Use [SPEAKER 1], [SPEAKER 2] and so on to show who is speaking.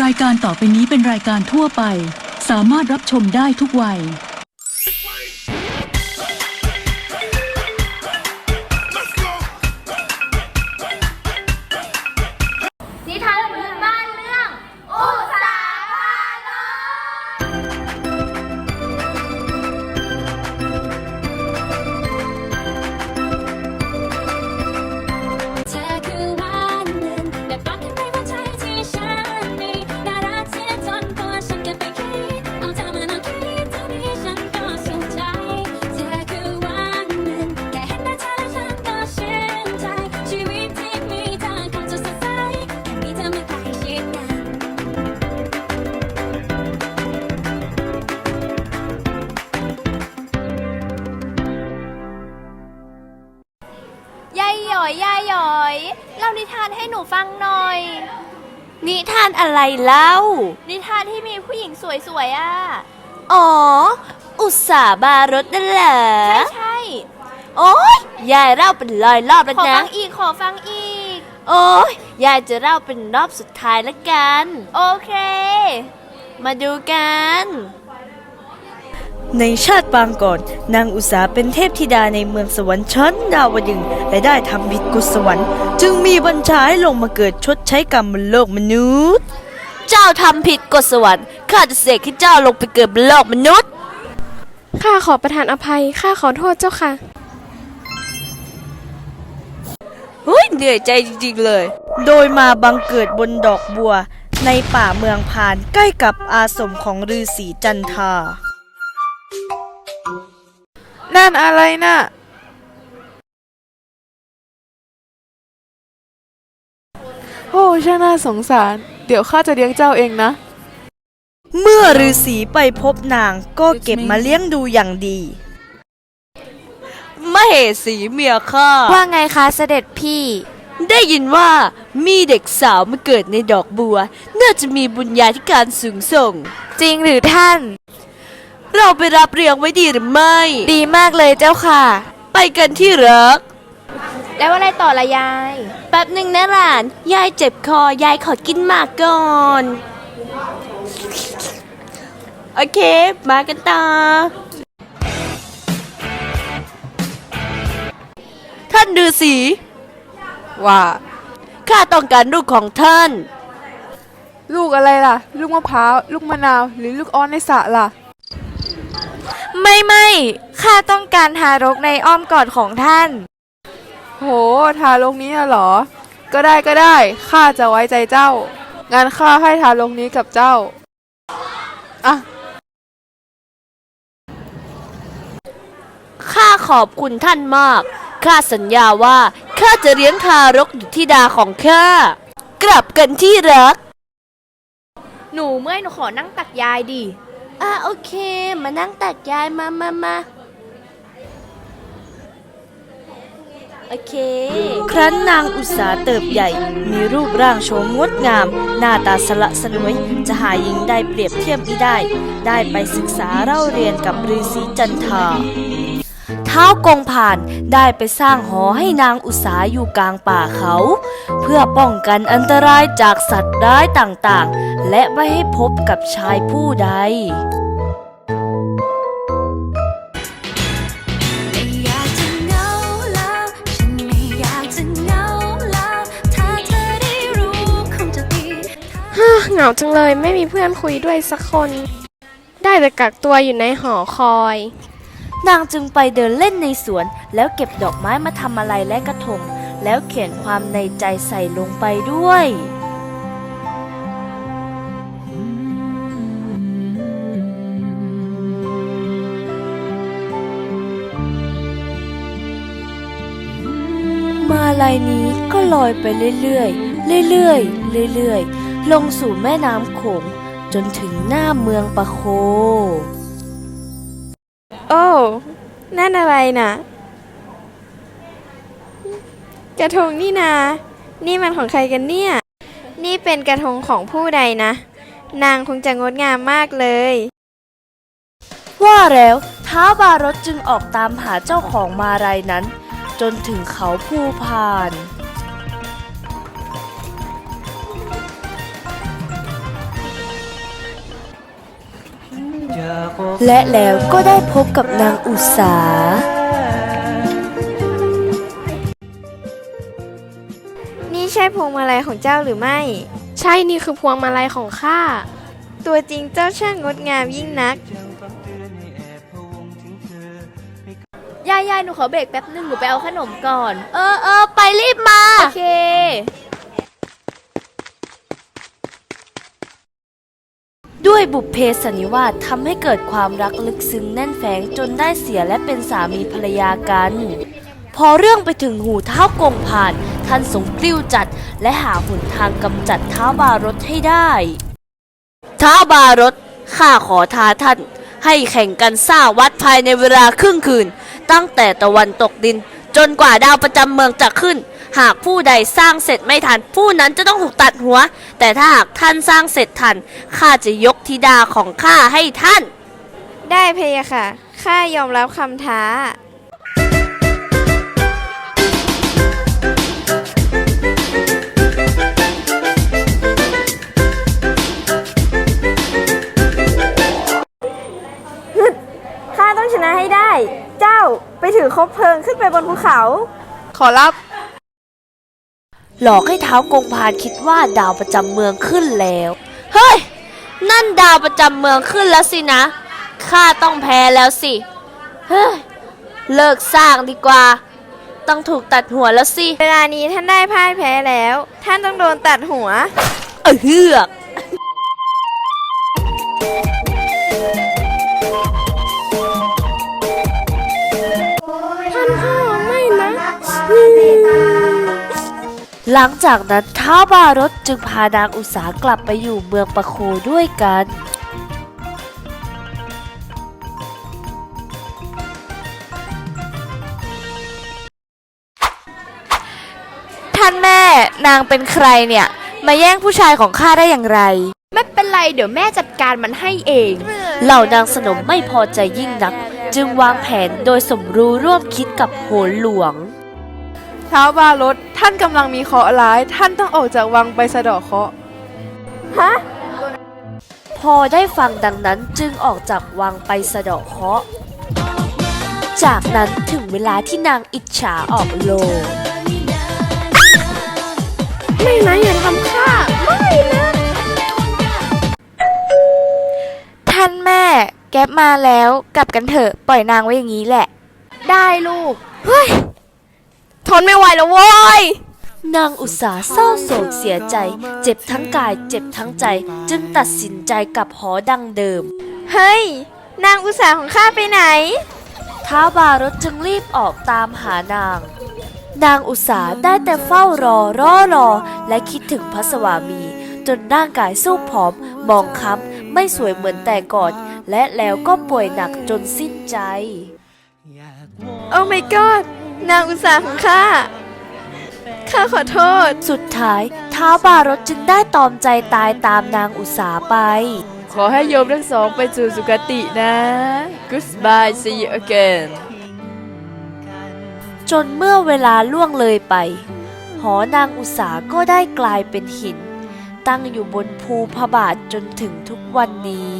[SPEAKER 1] ายการต่อไปนี้เป็นรายการทั่วไปสามารถรับชมได้ทุกวัย
[SPEAKER 2] นิทานพื้นบ้านเรื่องอุสาบานเธอคือวันหนึ่งได้ฟังกันไปว่าใจที่ฉันมีน่ารักเสียจนตัวฉันเก็บไปคิดเอาเธอมานั่งคิดเท่านี้ฉันก็สุขใจเธอคือวันหนึ่งแค่เห็นหน้าเธอแล้วฉันก็ชื่นใจชีวิตที่มีเธอคงจะสดใสแค่มีเธอมาใกล้ชิดกันยายหยอยยายหยอยเล่านิทานให้หนูฟังหน่อย
[SPEAKER 3] นิทานอะไรเล่า
[SPEAKER 2] นิทานที่มีผู้หญิงสวยๆอ่ะ
[SPEAKER 3] อ๋อ อุตสาบารสนั่นเหรอ
[SPEAKER 2] ใช่
[SPEAKER 3] โอ๊ย ยายเล่าเป็นร้อยรอบแล้ว
[SPEAKER 2] ขอ
[SPEAKER 3] นะ
[SPEAKER 2] ฟังอีกขอฟังอีก
[SPEAKER 3] โอ๊ย ยายจะเล่าเป็นรอบสุดท้ายละกัน
[SPEAKER 2] โอเค
[SPEAKER 3] มาดูกัน
[SPEAKER 4] ในชาติปางก่อนนางอุษาเป็นเทพธิดาในเมืองสวรรค์ชั้นดาวดึงส์และได้ทำผิดกฎสวรรค์จึงมีบัญชาให้ลงมาเกิดชดใช้กรรมบนโลกมนุษย์
[SPEAKER 3] เจ้าทำผิดกฎสวรรค์ข้าจะเสกให้เจ้าลงไปเกิดบนโลกมนุษย์
[SPEAKER 5] ข้าขอประทานอภัย ข้าขอโทษเจ้าค่ะ
[SPEAKER 3] เฮ้ย เหนื่อยใจจริงๆเลย
[SPEAKER 4] โดยมาบังเกิดบนดอกบัว ในป่าเมืองพานใกล้กับอาสมของฤาษีจันทา
[SPEAKER 6] นั่นอะไรน่ะ โอ้ช่างน่าสงสาร เดี๋ยวข้าจะเลี้ยงเจ้าเองนะ
[SPEAKER 4] เมื่อฤาษีไปพบนางก็เก็บมาเลี้ยงดูอย่างดี
[SPEAKER 3] มเหสีเมียข้า
[SPEAKER 5] ว่าไงคะเสด็จพี่
[SPEAKER 3] ได้ยินว่ามีเด็กสาวมาเกิดในดอกบัว น่าจะมีบุญญาธิการสูงส่ง
[SPEAKER 5] จริงหรือท่าน
[SPEAKER 3] เราไปรับเลี้ยงไว้ดีหรือไม่
[SPEAKER 5] ดีมากเลยเจ้าค่ะ
[SPEAKER 3] ไปกันที่รัก
[SPEAKER 2] แล้วอะไรต่อละยาย
[SPEAKER 3] แป๊บหนึ่งนะหลาน ยายเจ็บคอยายขอกินหมากก่อน โอเค มากันต่อ ท่านฤาษี
[SPEAKER 6] ว่า
[SPEAKER 3] ข้าต้องการลูกของท่าน
[SPEAKER 6] ลูกอะไรล่ะ ลูกมะพร้าว ลูกมะนาว หรือลูกอ้อนในสระล่ะ
[SPEAKER 5] ไม่ ข้าต้องการทารกในอ้อมกอดของท่าน
[SPEAKER 6] โห ทารกนี้น่ะเหรอ ก็ได้ ข้าจะไว้ใจเจ้า งั้นข้าให้ทารกนี้กับเจ้า อ่ะ
[SPEAKER 3] ข้าขอบคุณท่านมาก ข้าสัญญาว่าข้าจะเลี้ยงทารกอยู่ที่ดาของข้า กลับกันที่รัก
[SPEAKER 2] หนูเมื่อยหนูขอนั่งตักยายดิ
[SPEAKER 3] โอเค มานั่งตักยายมาโอเค
[SPEAKER 4] ครั้นนางอุษาเติบใหญ่ มีรูปร่างโฉมงดงาม หน้าตาสละสลวย จะหาหญิงได้เปรียบเทียบมิได้ ได้ไปศึกษาเล่าเรียนกับฤาษีจันทา ท้าวกงผ่านได้ไปสร้างหอให้นางอุษาอยู่กลางป่าเขา เพื่อป้องกันอันตรายจากสัตว์ร้ายต่างๆ และไม่ให้พบกับชายผู้ใด
[SPEAKER 2] ไม่อยากจะเหงาแล้วฉันไม่อยากจะเหงาแล้วถ้าเธอได้รู้คงจะดี
[SPEAKER 5] เหงาจังเลยไม่มีเพื่อนคุยด้วยสักคน ได้แต่กักตัวอยู่ในหอคอย
[SPEAKER 4] นางจึงไปเดินเล่นในสวน แล้วเก็บดอกไม้มาทำอะไรและกระทง แล้วเขียนความในใจใส่ลงไปด้วย มาลัยนี้ก็ลอยไปเรื่อยๆเรื่อยๆเรื่อยๆลงสู่แม่น้ำโขงจนถึงหน้าเมืองปะโค
[SPEAKER 5] โอ้ นั่นอะไรน่ะ กระทงนี่นา นี่มันของใครกันเนี่ย นี่เป็นกระทงของผู้ใดนะ นางคงจะงดงามมากเลย
[SPEAKER 4] ว่าแล้วท้าวบารสจึงออกตามหาเจ้าของมาลัยนั้น จนถึงเขาภูพาน
[SPEAKER 2] ย
[SPEAKER 4] และแล้วก็ได้พบกับนางอุสา
[SPEAKER 5] นี่ใช่พวงมาลัยของเจ้าหรือไม่
[SPEAKER 7] ใช่นี่คือพวงมาลัยของข้า
[SPEAKER 5] ตัวจริงเจ้าช่างงดงามยิ่งนัก
[SPEAKER 3] ยายหนูขอเบรกแป๊บนึงหนูไปเอาขนมก่อน ไปรีบมา โอเค
[SPEAKER 4] ด้วยบุพเพสันนิวาสทำให้เกิดความรักลึกซึ้งแน่นแฝงจนได้เสียและเป็นสามีภรรยากัน พอเรื่องไปถึงหูเท้ากงผ่านท่านทรงกลิ้วจัดและหาหนทางกำจัดท้าวบารถให้ได้ท้าวบารถข้าขอท้าท่านให้แข่งกันสร้างวัดภายในเวลาครึ่งคืน ตั้งแต่ตะวันตกดินจนกว่าดาวประจำเมืองจะขึ้น หากผู้ใดสร้างเสร็จไม่ทันผู้นั้นจะต้องถูกตัดหัว แต่ถ้าหากท่านสร้างเสร็จทันข้าจะยกธิดาของข้าให้ท่าน
[SPEAKER 5] ได้เพยะค่ะ ข้ายอมรับคำท้า ข้าต้องชนะให้ได้ เจ้าไปถือคบเพลิงขึ้นไปบนภูเขา
[SPEAKER 6] ขอรับ
[SPEAKER 4] หลอกให้เท้ากงพานคิดว่าดาวประจำเมืองขึ้นแล้ว เฮ้ย นั่นดาวประจำเมืองขึ้นแล้วสินะ ข้าต้องแพ้แล้วสิ เฮ้ย เลิกสร้างดีกว่า ต้องถูกตัดหัวแล้วสิ
[SPEAKER 5] เวลานี้ท่านได้พ่ายแพ้แล้ว ท่านต้องโดนตัดหัว
[SPEAKER 4] เฮือกหลังจากนั้นท้าวบารถจึงพานางอุสากลับไปอยู่เมืองปะโคด้วยกัน
[SPEAKER 7] ท่านแม่นางเป็นใครเนี่ย มาแย่งผู้ชายของข้าได้อย่างไร ไม่เป็นไรเดี๋ยวแม่จัดการมันให้เอง
[SPEAKER 4] เหล่านางสนมไม่พอใจยิ่งนัก จึงวางแผนโดยสมรู้ร่วมคิดกับโหนหลวง
[SPEAKER 6] ท้าวบารถท่านกำลังมีเคราะห์ร้าย ท่านต้องออกจากวังไปสะเดาะเคราะห์
[SPEAKER 4] พอได้ฟังดังนั้นจึงออกจากวังไปสะเดาะเคราะห์ จากนั้นถึงเวลาที่นางอิจฉาออกโลง
[SPEAKER 7] ไม่นะอย่าทำข้าไม่นะ ท่านแม่แก๊ปมาแล้วกลับกันเถอะปล่อยนางไว้อย่างนี้แหละ ได้ลูก เฮ้ย ทนไม่ไหวแล้วโว้ย
[SPEAKER 4] นางอุตสาเศร้าโศกเสียใจ เจ็บทั้งกายเจ็บทั้งใจ จึงตัดสินใจกลับหอดังเดิม
[SPEAKER 5] เฮ้ย นางอุตสาห์ของข้าไปไหน
[SPEAKER 4] ท้าวบารถจึงรีบออกตามหานาง นางอุตสาได้แต่เฝ้ารอและคิดถึงพระสวามี จนร่างกายสู้ผอมมองคล้ำไม่สวยเหมือนแต่ก่อน และแล้วก็ป่วยหนักจนสิ้นใจ
[SPEAKER 5] โอ้ my god นางอุตสาห์ของข้า ข้าขอโทษ
[SPEAKER 4] สุดท้ายท้าวบารถจึงได้ตอมใจตายตามนางอุตสาไป
[SPEAKER 6] ขอให้โยมทั้งสองไปสู่สุคตินะ Goodbye see you again
[SPEAKER 4] จนเมื่อเวลาล่วงเลยไป หอนางอุสาก็ได้กลายเป็นหิน ตั้งอยู่บนภูพระบาทจนถึงทุกวันนี้